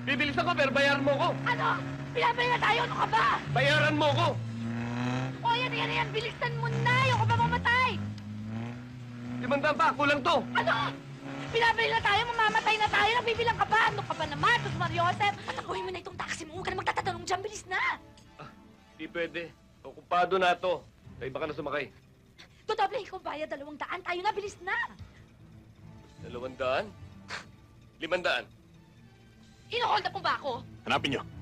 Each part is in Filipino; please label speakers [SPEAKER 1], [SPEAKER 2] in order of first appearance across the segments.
[SPEAKER 1] Bibilis ako, pero bayaran mo ko.
[SPEAKER 2] Ano? Pinabay na tayo! Ano ka ba?
[SPEAKER 1] Bayaran mo ko.
[SPEAKER 2] O, yan! Bilisan mo na! Ayoko pa mamatay!
[SPEAKER 1] 500 pa, kulang to.
[SPEAKER 2] Ano? Pinabay na tayo! Mamamatay na tayo! Nabibilang ka ba? Ano ka ba naman? Tos Mariosep! Patakuhin mo na itong taxi mo! Huwag ka na magtatanong dyan! Bilis na!
[SPEAKER 1] Di pwede. Okupado na to. Sa iba ka na sumakay.
[SPEAKER 2] Dodoble ko bayad 200. Tayo na! Bilis na!
[SPEAKER 1] 200? 500.
[SPEAKER 2] Ino-hold up mo ba ako?
[SPEAKER 3] Hanapin nyo.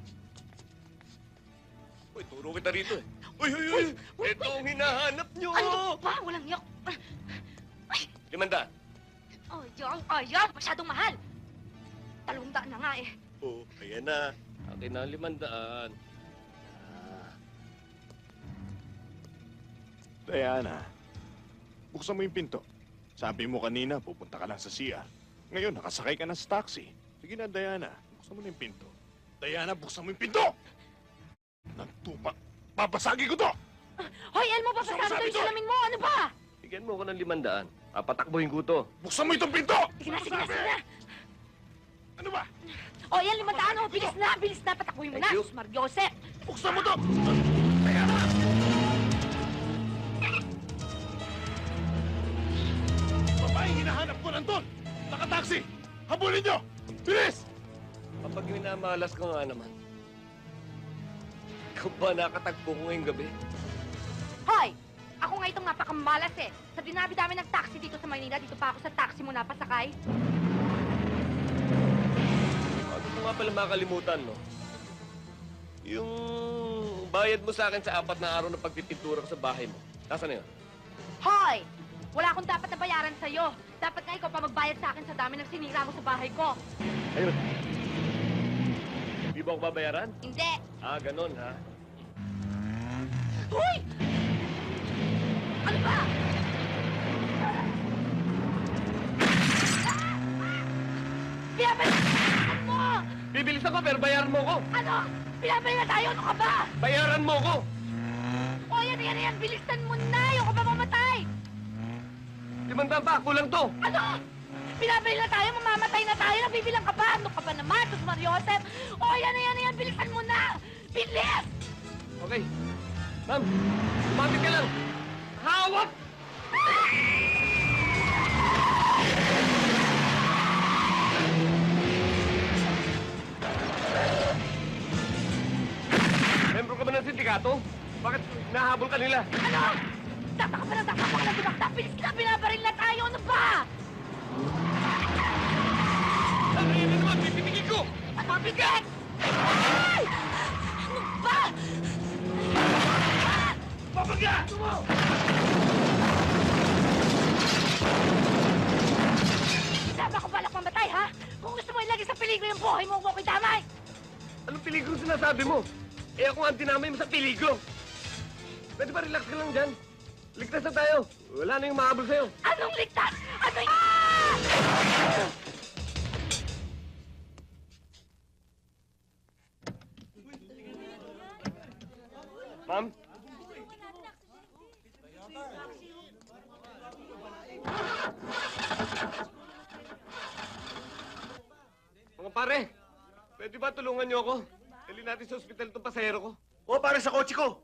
[SPEAKER 1] Uy, turo kita rito eh. Uy! Ito ang hinahanap nyo!
[SPEAKER 2] Ano ba? Walang yak!
[SPEAKER 1] 500.
[SPEAKER 2] Ayan! Masyadong mahal! 200 na nga eh.
[SPEAKER 1] Oh, ayan na. Akin na 500.
[SPEAKER 3] Diana, buksan mo yung pinto. Sabi mo kanina, pupunta ka lang sa CR. Ngayon, nakasakay ka na sa taxi. Sige na, Diana. Buksan mo na yung pinto. Diana, buksan mo yung pinto! Nagtupa. Babasagi ko to!
[SPEAKER 2] Hoy, Elmo!
[SPEAKER 3] Gusto mo
[SPEAKER 2] Papasama
[SPEAKER 3] sabi
[SPEAKER 2] to yung
[SPEAKER 3] to?
[SPEAKER 2] salamin mo! Ano ba?
[SPEAKER 1] Bigyan mo ko ng 500. Papatakbuhin ko to.
[SPEAKER 3] Buksan mo itong pinto!
[SPEAKER 2] Sige na!
[SPEAKER 3] Sabi! Ano ba?
[SPEAKER 2] O, yan, 500 o! Bilis na! Patakuhin mo na!
[SPEAKER 1] Thank you.
[SPEAKER 2] Sus Mariosep!
[SPEAKER 3] Buksan mo to! Diana! Babaeng hinahanap ko nandun! Naka-taxi! Habulin nyo! Bilis!
[SPEAKER 1] Kapag minamalas ko nga naman. Ikaw ba nakatagpo ko ngayong gabi?
[SPEAKER 2] Hoy! Ako nga itong napakamalas eh. Sa dinabi-dami ng taxi dito sa Maynila, dito pa ako sa taxi mo napasakay.
[SPEAKER 1] Bago mo nga pala makalimutan, no? Yung bayad mo sa akin sa 4 na araw na pagpipintura ko sa bahay mo. Nasaan na yun?
[SPEAKER 2] Hoy! Wala akong dapat na bayaran sa'yo. Dapat nga ikaw pa magbayad sa akin sa dami ng sinira mo sa bahay ko.
[SPEAKER 1] Ayun. Di ba ako babayaran?
[SPEAKER 2] Hindi!
[SPEAKER 1] Ah, ganun, ha?
[SPEAKER 2] Hoy! Ano ba? Pinabalikan mo!
[SPEAKER 1] Bibilis ako, pero bayaran mo ko.
[SPEAKER 2] Ano? Pinabay na tayo! Ano ka ba?
[SPEAKER 1] Bayaran mo ko.
[SPEAKER 2] O, yan! Bilisan mo na! Ayoko pa mamatay!
[SPEAKER 1] 500 pa, kulang to.
[SPEAKER 2] Ano? Pinabay na tayo! Mamamatay na tayo! Nabibilang ka ba? Ano ka ba naman? Tos Mariosep! O, yan! Bilisan mo na! Bilis!
[SPEAKER 1] Okay. Ma'am, umapit ka lang. Hawak! Membro ka ba ng sindikato? Bakit nahabol ka nila?
[SPEAKER 2] Ano? Tataka pa lang dibakta! Bilis na! Binabaril na tayo! Ano ba?
[SPEAKER 1] Ano yun naman? Pipipigil ko!
[SPEAKER 2] Mabigat! Ay! Ano ba?
[SPEAKER 1] Papaga!
[SPEAKER 2] Sabi ko balak mamatay, ha? Kung gusto mo ilagay sa peligro yung buhay mo, huwag ko damay!
[SPEAKER 1] Anong peligro sinasabi mo? Eh ako ang dinamay mo sa peligro. Pwede ba relax ka lang dyan? Ligtas na tayo. Wala na yung mahabol sa'yo.
[SPEAKER 2] Anong ligtas? Ano y... Ah!
[SPEAKER 1] Ma'am? Mga pare, pwede ba tulungan niyo ako? Dali natin sa ospital itong pasahero ko.
[SPEAKER 4] O, para sa kotse ko.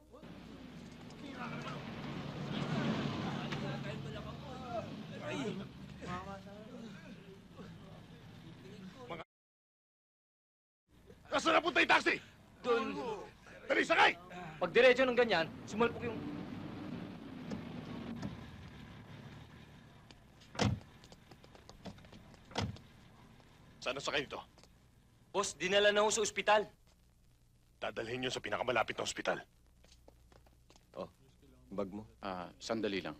[SPEAKER 3] Nasaan na punta yung taxi?
[SPEAKER 5] Doon.
[SPEAKER 3] Dali, sakay!
[SPEAKER 5] Pag diretso ng ganyan, sumalpok yung...
[SPEAKER 3] Saan na sakay ito?
[SPEAKER 5] Boss, dinala na ho sa ospital.
[SPEAKER 3] Dadalhin nyo sa pinakamalapit na ospital.
[SPEAKER 1] Oh, bag mo.
[SPEAKER 6] Sandali lang.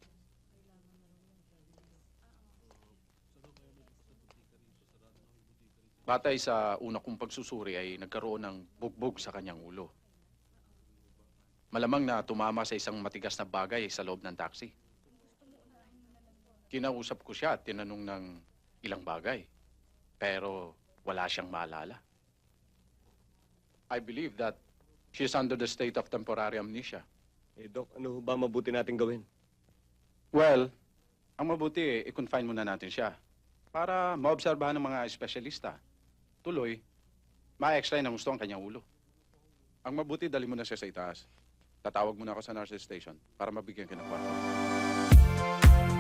[SPEAKER 6] Batay sa una kong pagsusuri ay nagkaroon ng bugbog sa kanyang ulo. Malamang na tumama sa isang matigas na bagay sa loob ng taxi. Kinausap ko siya at tinanong ng ilang bagay. Pero wala siyang maalala. I believe that she is under the state of temporary amnesia.
[SPEAKER 1] Eh, Doc, ano ba mabuti natin gawin?
[SPEAKER 6] Well, ang mabuti, i-confine muna natin siya para maobserbahan ng mga espesyalista. tuloy, ma-extray ng gusto ang kanyang ulo. Ang mabuti, dali mo na siya sa itaas. Tatawag mo na ako sa nurse station para mabigyan ka ng kwarto.